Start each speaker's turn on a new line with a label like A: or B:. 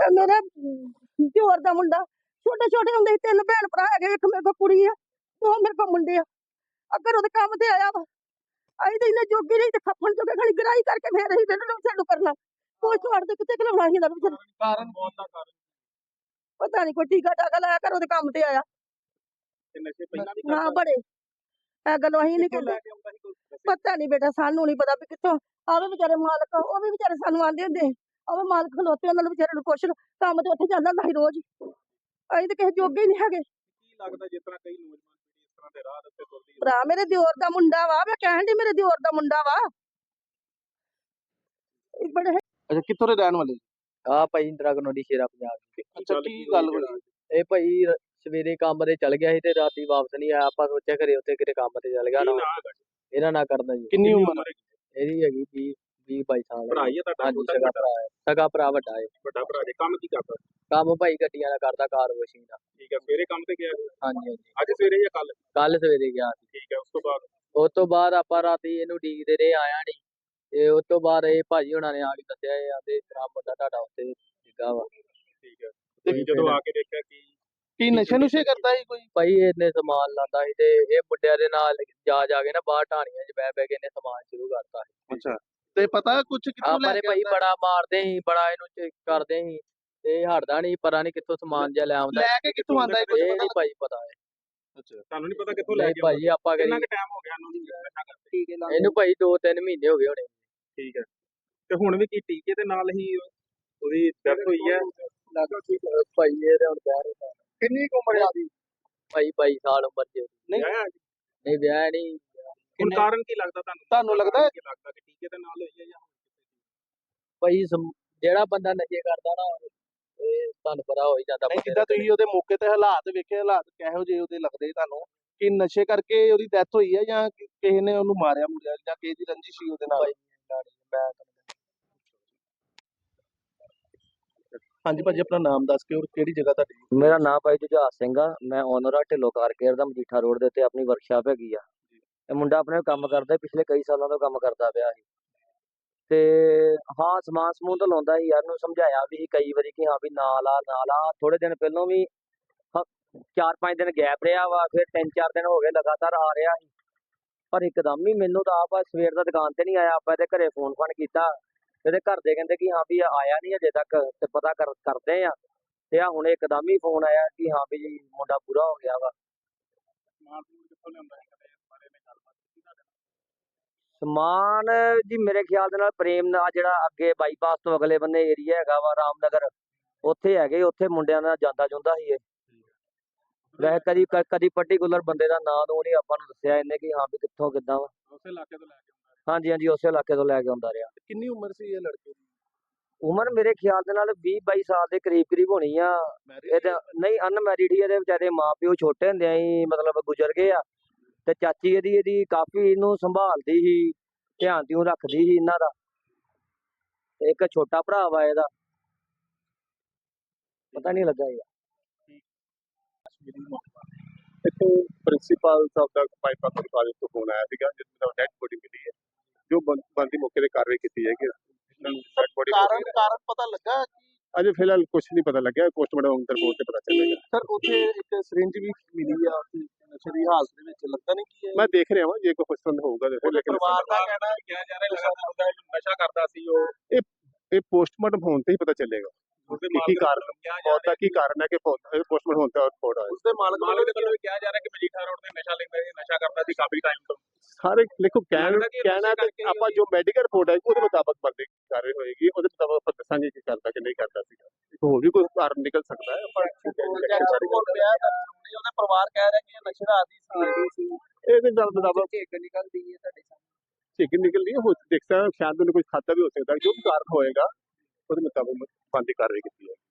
A: मेरे दिओर दा मुंडा छोटे छोटे होंदे 3 भैन भरा है, एक मेरे को कुड़ी है, 2 मेरे को मुंडे आ। अगर ओदे काम ते आया वा आई तो इन्हें जोगी नहीं, खपन जो खड़ी गिराई करके फिर ही चालू करना पोस्ट मार दे कितने खिलाना ही कारण पता नहीं, कोई टीका टाका लाया कर ओदे काम ते आया ना बड़े गलों अहीं नहीं कहते, पता नहीं बेटा सानू नहीं पता भी कित्थों आवे बेचारे मालक, वो भी बेचारे सानू आंदे हुंदे आवे मालक खलोते उन्हां नूं बेचारे नूं पुछ काम ते उत्थे जांदा हुंदा सी रोज, अहीं ते किसे जोगे ही नहीं हैगे।
B: ਕੀ ਲੱਗਦਾ ਜਿਸ ਤਰ੍ਹਾਂ ਕਈ ਨੌਜਵਾਨ ਪੀੜ੍ਹੀ ਇਸ ਤਰ੍ਹਾਂ ਦੇ ਰਾਹ ਦੇ ਉੱਤੇ ਤੁਰਦੀ ਹੈ?
A: भरा मेरे दिओर दा मुंडा वा, मैं कहण दी मेरे दिओर दा मुंडा वा बड़े।
C: ਅੱਛਾ ਕਿੱਥੋਂ ਦੇ ਰਹਿਣ ਵਾਲੇ?
D: ਆ ਭਾਈ ਇੰਦਰਾ ਕਲੋਨੀ ਸ਼ੇਰਾ ਪੰਜਾਬ ਦੀ।
C: ਅੱਛਾ ਕੀ ਗੱਲ ਹੋਈ?
D: ਇਹ ਭਾਈ ਸਵੇਰੇ ਕੰਮ ਤੇ ਚਲ ਗਿਆ ਸੀ ਤੇ ਰਾਤੀ ਵਾਪਸ ਨਹੀਂ ਆਇਆ, ਆਪਾਂ ਸੋਚਿਆ ਘਰੇ ਉੱਥੇ ਕਿਤੇ ਕੰਮ ਤੇ ਚਲ ਗਿਆ ਨਾ, ਇਹਨਾਂ ਨਾਲ ਕਰਦਾ ਜੀ।
C: ਕਿੰਨੀ ਉਮਰ ਹੈ?
D: ਇਹਦੀ ਹੈਗੀ 20-22 ਸਾਲ।
B: ਭਰਾ ਹੀ ਹੈ ਤੁਹਾਡਾ?
D: ਹਾਂਜੀ ਸਗਾ ਭਰਾ ਹੈ, ਸਗਾ ਭਰਾ ਵੱਡਾ ਹੈ।
B: ਵੱਡਾ ਭਰਾ ਜੀ ਕੰਮ ਕੀ ਕਰਦਾ?
D: ਕੰਮ ਭਾਈ ਗੱਡੀਆਂ ਦਾ ਕਰਦਾ, ਕਾਰ ਵਾਸ਼ਿੰਗ ਦਾ।
B: ਠੀਕ ਹੈ, ਸਵੇਰੇ ਕੰਮ ਤੇ ਗਿਆ ਸੀ?
D: ਹਾਂਜੀ ਹਾਂਜੀ
B: ਅੱਜ ਸਵੇਰੇ ਜਾਂ
D: ਕੱਲ ਸਵੇਰੇ ਗਿਆ ਸੀ।
B: ਠੀਕ ਹੈ,
D: ਉਸ ਤੋਂ ਬਾਅਦ ਆਪਾਂ ਰਾਤੀ ਇਹਨੂੰ ਡੀਕਦੇ ਰਹੇ, ਆਇਆ ਨਹੀਂ, ਤੇ ਉਸ ਤੋਂ ਬਾਅਦ ਇਹ ਭਾਜੀ ਹੁਣਾਂ ਨੇ ਆ ਕੇ ਦੱਸਿਆ ਇਹ ਆਂਦੇ ਇਸ ਤਰ੍ਹਾਂ ਮੁੰਡਾ ਤੁਹਾਡਾ ਉੱਥੇ ਡਿੱਗਾ ਵਾ।
B: ਠੀਕ ਹੈ, ਤੇ ਜਦੋਂ ਆ ਕੇ ਦੇਖਿਆ
C: ਕੀ ਨਸ਼ੇ ਨੁਸ਼ੇ ਕਰਦਾ ਸੀ ਕੋਈ?
D: ਭਾਈ ਇਹਨੇ ਸਮਾਨ ਲਾਂਦਾ ਸੀ ਤੇ ਇਹ ਮੁੰਡਿਆਂ ਦੇ ਨਾਲ ਜਾ ਕੇ ਨਾ ਬਾਹਰ ਢਾਣੀਆਂ 'ਚ ਬਹਿ ਕੇ ਇਹਨੇ ਸਮਾਨ ਸ਼ੁਰੂ ਕਰਤਾ ਸੀ।
C: ਅੱਛਾ, ਤੇ ਪਤਾ ਕੁਝ ਕਿੱਥੋਂ
D: ਆਪਾਂ
C: ਲੈ
D: ਨੇ
C: ਕੇ
D: ਭਾਈ
C: ਆਉਂਦਾ?
D: ਬੜਾ ਮਾਰਦੇ ਸੀ, ਬੜਾ ਇਹਨੂੰ ਕਰਦੇ ਸੀ ਤੇ ਹਟਦਾ ਨਹੀਂ, ਪਤਾ ਨਹੀਂ ਕਿੱਥੋਂ ਸਮਾਨ ਜਿਹਾ ਲੈ ਆਉਂਦਾ।
C: ਲੈ ਕੇ ਕਿੱਥੋਂ ਆਉਂਦਾ? ਕੁਝ
D: ਇਹ
C: ਪਤਾ
D: ਨਹੀਂ ਭਾਈ ਪਤਾ ਹੈ।
C: ਅੱਛਾ,
B: ਤੁਹਾਨੂੰ ਨਹੀਂ ਪਤਾ ਕਿੱਥੋਂ ਲੈ ਕੇ
D: ਭਾਈ ਆਪਾਂ
B: ਕਿੰਨਾ ਕੁ ਟਾਈਮ ਹੋ ਗਿਆ ਇਹਨੂੰ ਨਸ਼ਾ ਕਰਦੇ?
D: ਇਹਨੂੰ ਭਾਈ 2-3 ਮਹੀਨੇ ਹੋ ਗਏ ਹੋਣੇ।
B: ਠੀਕ ਹੈ, ਤੇ ਹੁਣ ਵੀ ਕੀ ਟੀਕੇ ਦੇ ਨਾਲ ਹੀ ਉਹਦੀ ਡੈਥ ਹੋਈ ਹੈ?
D: ਭਾਈ ਇਹ ਹੁਣ ਵਿਆਹ ਨਹੀਂ,
C: ਕਿੰਨੀ ਕੁ ਉਮਰ ਆ ਦੀ?
D: ਭਾਈ 22 ਸਾਲ ਉਮਰ ਚ।
C: ਨਹੀਂ
D: ਨਹੀਂ ਵਿਆਹ ਨਹੀਂ।
B: ਹੁਣ ਕਾਰਨ ਕੀ ਲੱਗਦਾ
C: ਤੁਹਾਨੂੰ ਲੱਗਦਾ
B: ਕੀ ਲੱਗਦਾ ਕਿ ਟੀਕੇ ਦੇ ਨਾਲ ਹੋਈ ਹੈ ਜਾਂ
D: ਭਾਈ ਜਿਹੜਾ ਬੰਦਾ ਨਸ਼ੇ ਕਰਦਾ ਨਾ ਇਹ ਤੁਹਾਨੂੰ ਪਤਾ ਹੋ ਹੀ ਜਾਂਦਾ।
C: ਨਹੀਂ ਜਿੱਦਾਂ ਤੁਸੀਂ ਉਹਦੇ ਮੌਕੇ ਤੇ ਹਾਲਾਤ ਵੇਖੇ, ਹਾਲਾਤ ਕਿਹੋ ਜਿਹੇ ਉਹਦੇ ਲੱਗਦੇ ਤੁਹਾਨੂੰ ਕਿ ਨਸ਼ੇ ਕਰਕੇ ਉਹਦੀ ਡੈਥ ਹੋਈ ਹੈ ਜਾਂ ਕਿਸੇ ਨੇ ਉਹਨੂੰ ਮਾਰਿਆ ਮੁਰਿਆ ਜਾਂ ਕਿਸੇ ਦੀ ਰੰਜਿਸ਼ ਸੀ ਉਹਦੇ ਨਾਲ? ਹਾਂਜੀ ਭਾਜੀ, ਆਪਣਾ ਨਾਮ ਦੱਸ ਕੇ ਔਰ ਕਿਹੜੀ ਜਗ੍ਹਾ ਤੁਹਾਡੀ?
D: ਮੇਰਾ ਨਾਮ ਭਾਈ ਜੁਝਾਰ ਸਿੰਘ ਆ, ਮੈਂ ਓਨਰ ਆ ਢਿੱਲੋਂ ਕਾਰ ਕੇਅਰ ਦਾ, ਮਜੀਠਾ ਰੋਡ ਦੇ ਉੱਤੇ ਆਪਣੀ ਵਰਕਸ਼ਾਪ ਹੈਗੀ ਆ। ਇਹ ਮੁੰਡਾ ਆਪਣੇ ਕੰਮ ਕਰਦਾ, ਪਿਛਲੇ ਕਈ ਸਾਲਾਂ ਤੋਂ ਕੰਮ ਕਰਦਾ ਪਿਆ ਸੀ ਤੇ ਹਾਂ ਸਮਾਨ ਸਮੂਨ ਤਾਂ ਲਾਉਂਦਾ ਸੀ ਯਾਰ, ਨੂੰ ਸਮਝਾਇਆ ਵੀ ਕਈ ਵਾਰੀ ਕਿ ਹਾਂ ਵੀ ਨਾ ਲਾ। ਥੋੜੇ ਦਿਨ ਪਹਿਲਾਂ ਵੀ 4-5 ਦਿਨ ਗੈਪ ਰਿਹਾ ਵਾ, ਫਿਰ 3-4 ਦਿਨ ਹੋ ਗਏ ਲਗਾਤਾਰ ਆ ਰਿਹਾ ਸੀ, ਪਰ ਇੱਕਦਮ ਹੀ ਮੈਨੂੰ ਤਾਂ ਆਪ ਸਵੇਰ ਦਾ ਦੁਕਾਨ ਤੇ ਨਹੀਂ ਆਇਆ। ਆਪਾਂ ਇਹਦੇ ਘਰੇ ਫੋਨ ਕੀਤਾ, ਇਹਦੇ ਘਰ ਦੇ ਕਹਿੰਦੇ ਕਿ ਹਾਂ ਵੀ ਆਇਆ ਨਹੀਂ ਅਜੇ ਤੱਕ, ਤੇ ਪਤਾ ਕਰਦੇ ਆ, ਤੇ ਆ ਹੁਣ ਇੱਕਦਮ ਹੀ ਫੋਨ ਆਇਆ ਕਿ ਹਾਂ ਵੀ ਮੁੰਡਾ ਪੂਰਾ ਹੋ ਗਿਆ ਵਾ। ਸਮਾਨ ਜੀ ਮੇਰੇ ਖਿਆਲ ਦੇ ਨਾਲ ਪ੍ਰੇਮ ਨਾਲ ਜਿਹੜਾ ਅੱਗੇ ਬਾਈਪਾਸ ਤੋਂ ਅਗਲੇ ਬੰਨੇ ਏਰੀਆ ਹੈਗਾ ਵਾ ਰਾਮਨਗਰ, ਉੱਥੇ ਹੈਗੇ, ਉੱਥੇ ਮੁੰਡਿਆਂ ਨਾਲ ਜਾਂਦਾ ਜੁੰਦਾ ਸੀ ਇਹ। ਵੈਸੇ ਕਦੀ ਪਾਰਟੀਕੂਲਰ ਬੰਦੇ ਦਾ ਨਾਂ ਨੂੰ ਨਹੀਂ ਆਪਾਂ ਨੂੰ ਦੱਸਿਆ ਇਹਨੇ ਕਿ ਹਾਂ ਵੀ ਕਿੱਥੋਂ ਕਿੱਦਾਂ ਵਾ।
B: ਉਸੇ ਇਲਾਕੇ ਤੋਂ ਲੈ ਕੇ
D: ਹਾਂਜੀ ਉਸੇ ਇਲਾਕੇ ਤੋਂ ਲੈ ਕੇ ਆਉਂਦਾ ਰਿਹਾ।
C: ਕਿੰਨੀ ਉਮਰ ਸੀ ਇਹ ਲੜਕੇ ਦੀ?
D: ਉਮਰ ਮੇਰੇ ਖਿਆਲ ਦੇ ਨਾਲ 20-22 ਸਾਲ ਦੇ ਕਰੀਬ ਹੋਣੀ ਆ। ਇਹ ਨਹੀਂ ਅਨਮੈਰਿਡ ਹੀ, ਇਹਦੇ ਵਿਚਾਰੇ ਮਾਂ ਪਿਓ ਛੋਟੇ ਹੁੰਦਿਆਂ ਹੀ ਮਤਲਬ ਗੁਜ਼ਰ ਗਏ ਆ, ਤੇ ਚਾਚੀ ਇਹਦੀ ਕਾਫੀ ਇਹਨੂੰ ਸੰਭਾਲਦੀ ਸੀ, ਧਿਆਨ ਦਿਉ ਰੱਖਦੀ ਸੀ ਇਹਨਾਂ ਦਾ। ਇੱਕ ਛੋਟਾ ਭਰਾ ਵਾ ਇਹਦਾ, ਪਤਾ ਨਹੀਂ ਲੱਗਾ ਯਾਰ।
B: ਇੱਥੇ ਪ੍ਰਿੰਸੀਪਲ ਸਾਹਿਬ ਦਾ ਪਾਈਪਾ ਕਾਲਜ ਤੋਂ ਫੋਨ ਆਇਆ ਸੀਗਾ ਜਿਸ ਦਾ ਡੈਡ ਬੋਡੀ ਮਿਲੀ ਹੈ, ਜੋ ਬੰਦੀ ਮੌਕੇ ਤੇ ਕਾਰਵਾਈ ਕੀਤੀ ਜਾਏਗੀ।
C: ਕਾਰਨ ਪਤਾ ਲੱਗਾ?
B: ਅਜੇ ਫਿਲਹਾਲ ਕੁਝ ਨਹੀਂ ਪਤਾ ਲੱਗਿਆ, ਪੋਸਟਮਾਰਟਮ ਰਿਪੋਰਟ ਤੇ ਪਤਾ ਚੱਲੇਗਾ।
C: ਸਰ ਉੱਥੇ ਇੱਕ ਸਿਰਿੰਜ ਵੀ ਮਿਲੀ ਆ ਨਸ਼ੇ ਦੀ ਹਾਲਤ ਦੇ ਵਿੱਚ, ਲੱਗਦਾ ਨਹੀਂ ਕਿ
B: ਮੈਂ ਦੇਖ ਰਿਹਾ ਹਾਂ ਜੇ ਕੋਈ ਪਸੰਦ ਹੋਊਗਾ ਤੇ ਲੇਕਿਨ
C: ਪਰਿਵਾਰ ਦਾ ਕਹਿਣਾ ਕਿਹਾ ਜਾ ਰਿਹਾ
B: ਨਸ਼ਾ ਕਰਦਾ ਸੀ ਉਹ। ਇਹ ਪੋਸਟਮਾਰਟਮ ਹੋਣ ਤੇ ਹੀ ਪਤਾ ਚੱਲੇਗਾ ਕੀ ਕਾਰਨ, ਮੌਤ ਦਾ ਕੀ ਕਾਰਨ ਹੈ ਕਿ ਪੋਸਟਮਾਰਟਮ ਹੋਣ ਤੇ ਰਿਪੋਰਟ ਆਏ।
C: ਉਸਦੇ ਮਾਲਕ ਵੱਲੋਂ ਵੀ
B: ਕਿਹਾ ਜਾ ਰਿਹਾ ਕਿ ਮਜੀਠਾ ਰੋਡ ਤੇ ਨਸ਼ਾ ਲੈਂਦਾ ਸੀ, ਨਸ਼ਾ ਕਰਦਾ ਸੀ ਕਾਫੀ ਟਾਈਮ ਤੋਂ। ਸਾਰੇ ਦੇਖੋ ਕਹਿਣਾ ਤੇ ਆਪਾਂ ਜੋ ਮੈਡੀਕਲ ਰਿਪੋਰਟ ਆਈ ਉਹਦੇ ਮੁਤਾਬਕ ਬੰਦੀ ਕਾਰਵਾਈ ਹੋਏਗੀ, ਉਹਦੇ ਮੁਤਾਬਕ ਆਪਾਂ ਦੱਸਾਂਗੇ ਕਿ ਕਰਦਾ ਕਿ ਨਹੀਂ ਕਰਦਾ ਸੀਗਾ। ਹੋਰ ਵੀ ਕੋਈ ਕਾਰਨ ਨਿਕਲ ਸਕਦਾ ਹੈ, ਪਰ
C: ਉਹਦੇ ਪਰਿਵਾਰ ਕਹਿ ਰਿਹਾ ਕਿ ਨਸ਼ੇ ਦਾ ਆਦੀ ਸੀ।
B: ਇਹਦੇ ਗੱਲ ਮੁਤਾਬਕ
D: ਨਿਕਲਦੀ ਹੈ ਤੁਹਾਡੇ
B: ਚਿਕਨ ਨਿਕਲਦੀ ਹੈ, ਹੋ ਦੇਖਦਾ ਸ਼ਾਇਦ ਉਹਨੇ ਕੁਝ ਖਾਤਾ ਵੀ ਹੋ ਸਕਦਾ, ਜੋ ਵੀ ਕਾਰਨ ਹੋਏਗਾ ਉਹਦੇ ਮੁਤਾਬਕ ਬੰਦੀ ਕਾਰਵਾਈ ਕੀਤੀ ਹੈ।